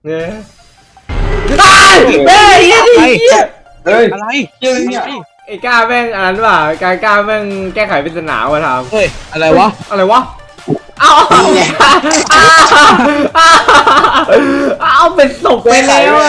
เนี่ยแม่เหี้ยดิเหี้ยเฮ้ยอะไรยังเนี่ยไอ้ก้าแม่งอันนั้นว่ะก้าแม่งแก้ไขปริศนาว่ะทำเฮ้ยอะไรวะอะไรวะเอาเป็นศพไปแล้วอะ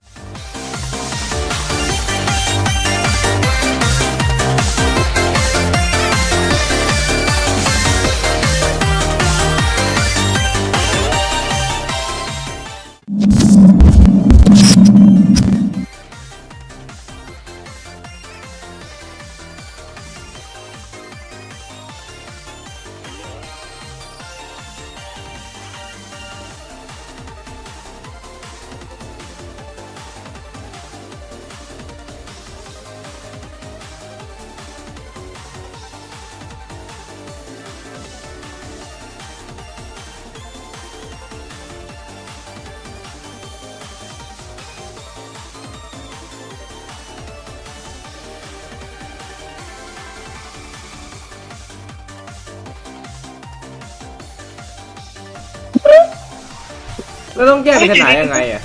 แล้วต้องแก้ปริศนายังไงอะ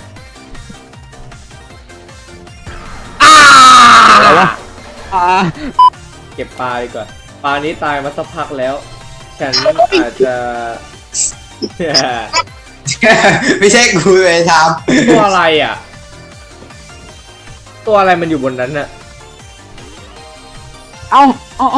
อะไรวะเก็บปลาดีกว่าปลานี้ตายมาสักพักแล้ว ฉันอาจจะไม่ใช่กูเลยทตัวอะไรอ่ะ ตัวอะไรมันอยู่บนนั้นน่ะเอาอ๋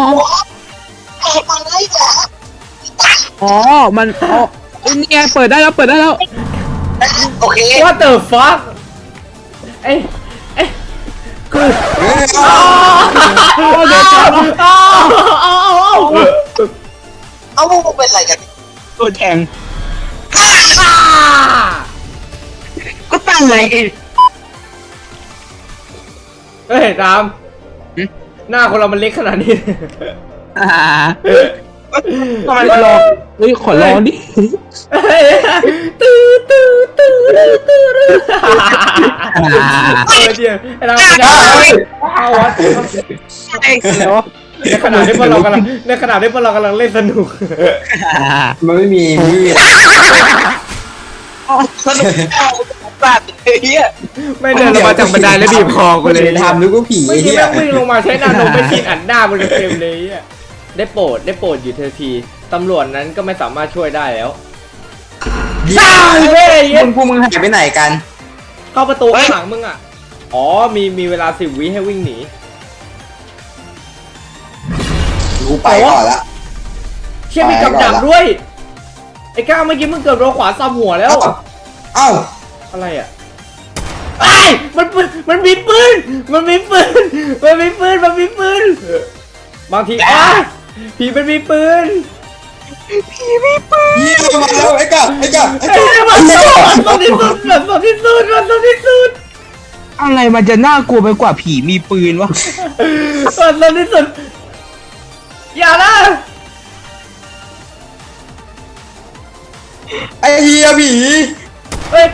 อมันอ๋อนี่ไงเปิดได้แล้วำโอเค What the fuck เอ้ยคือเดี๋ยวเอาพวกมึงเป็นอะไรกันตัวแทงก็ตั้งไงเฮ้ยตามหน้าคนเรามันเล็กขนาดนี้ทำไมมันรอเฮ้ยขอร้องดิตื้อเดี๋ยวไอ้เราเอาวะในขณะที่พวกเรากำลังเล่นสนุกมันไม่มีสนุกสัตว์เฮียไม่เดินลงมาจากบันไดแล้วบีบคอกูเลยทำนึกว่าผีเมื่อกี้เฮียแม่งวิ่งลงมาใช้หน้าลงไปชิดอัดหน้าบนเต็มเลยอ่ะได้โปรดอยู่เธอทีตำรวจนั้นก็ไม่สามารถช่วยได้แล้วใช่เว้ยพวกมึงหายไปไหนกันเข้าประตูข้างหลังมึงอ่ะอ๋อมีเวลา10 วิให้วิ่งหนีกูไปก่อนละเชี่ยมีกับดักด้วยไอ้ก้าวเมื่อกี้มึงเกือบโดนขวาซ้ำหัวแล้วเอ้าอะไรอ่ะไอ้มันมีปืนบางทีผีมันมีปืนเยี่ยมมาแล้วไอ้กะมันต้องที่สุดอะไรมันจะน่ากลัวไปกว่าผีมีปืนวะมันต้องที่สุดอย่านะไอ้เฮียผีเฮ้ย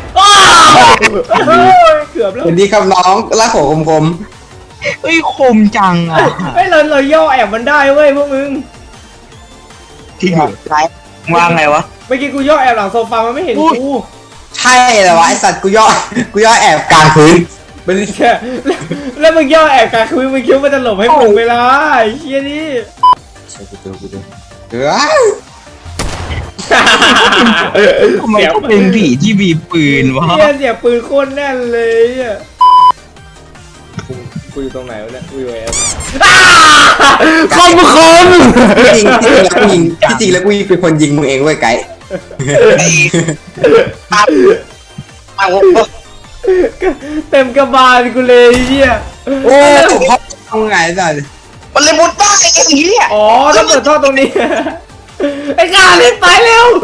เกือบแล้วสวัสดีครับน้องรักหัวคมเฮ้ยคมจังอ่ะเฮ้ยเราย่อแอบมันได้เว้ยพวกมึงที่อยู่ไรวางไงวะเมื่อกี้กูย่อแอบหลังโซฟามันไม่เห็นกูๆใช่เหรอวะไอสัตว์กูย่อแอบกลางพื้นมันแค่แล้วมึงย่อแอบกลางคือมึงคิดว่ามันจะหลบให้มึงเวลาไอ้เชี่ยนี่เออทำไมต้องเป็นผีที่มีปืนวะเชี่ยเสียปืนโคตรแน่นเลยอ่ะกูอยู่ตรงไหนวะเนี่ยกูอยู่แอบคมจริงแล้วกูเป็นคนยิงมึงเองเว้ยไกด์เต็มกระบาลกูเลยเชี่ยโอ้พ่อทำไงสัตว์มันเลยมุดได้ไอ้เหี้ยอ๋อต้องเปิดท่อตรงนี้ไอ้กาเล่นไปเร็ว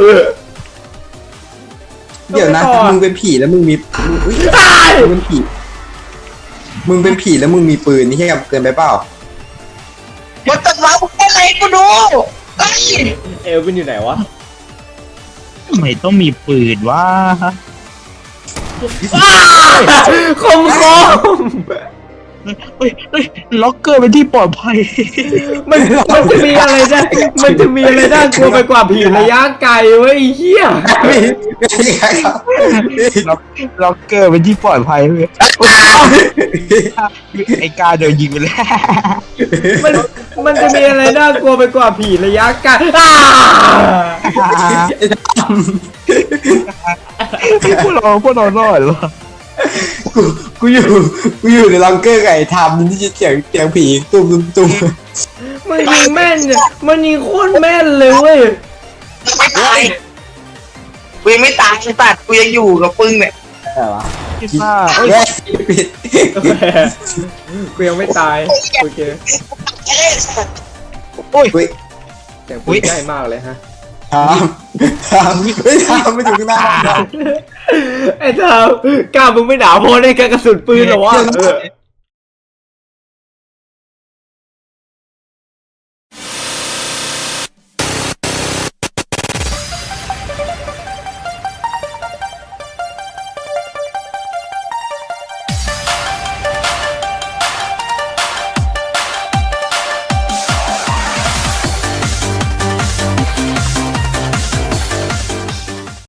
เดี๋ยวนะมึงเป็นผีแล้วมึงมีมึงเป็นผีแล้วมึงมีปืนนี่ใช่กับเกินไปเปล่ามันตัดมาแค่ไหนกูดูเอลวินอยู่ไหนวะทำไมต้องมีปืนวะคมเฮ้ยล็อกเกอร์เป็นที่ปลอดภัยมันจะมีอะไรได้มันจะมีอะไรน่ากลัวไปกว่าผีระยะไกลเว้ยไอ้เหี้ยล็อกเกอร์เป็นที่ปลอดภัยเว้ยไอ้กาโดนยิงไปแล้วมันจะมีอะไรน่ากลัวไปกว่าผีระยะไกลพวกเรารอดเหรอกูอยู่ในลังเกอร์ไก่ทำที่จะเสียงผีตุ้มมันยิงแม่นเนี่ยมันยิงโคตรแม่นเลยเว้ยไม่ตายกูยังไม่ตายไอ้สัตว์กูยังอยู่กับปึ้งเนี่ยอะไรวะพิซซ่าแย่ปิดกูยังไม่ตายโอเคโอ้ยอุ้ยแต่กูใกล้มากเลยฮะทำไม่ทำไม่ถึงหน้าไอ้เธอกล้ามึงไม่หนาวพอในการกระสุนปืนเหรอวะ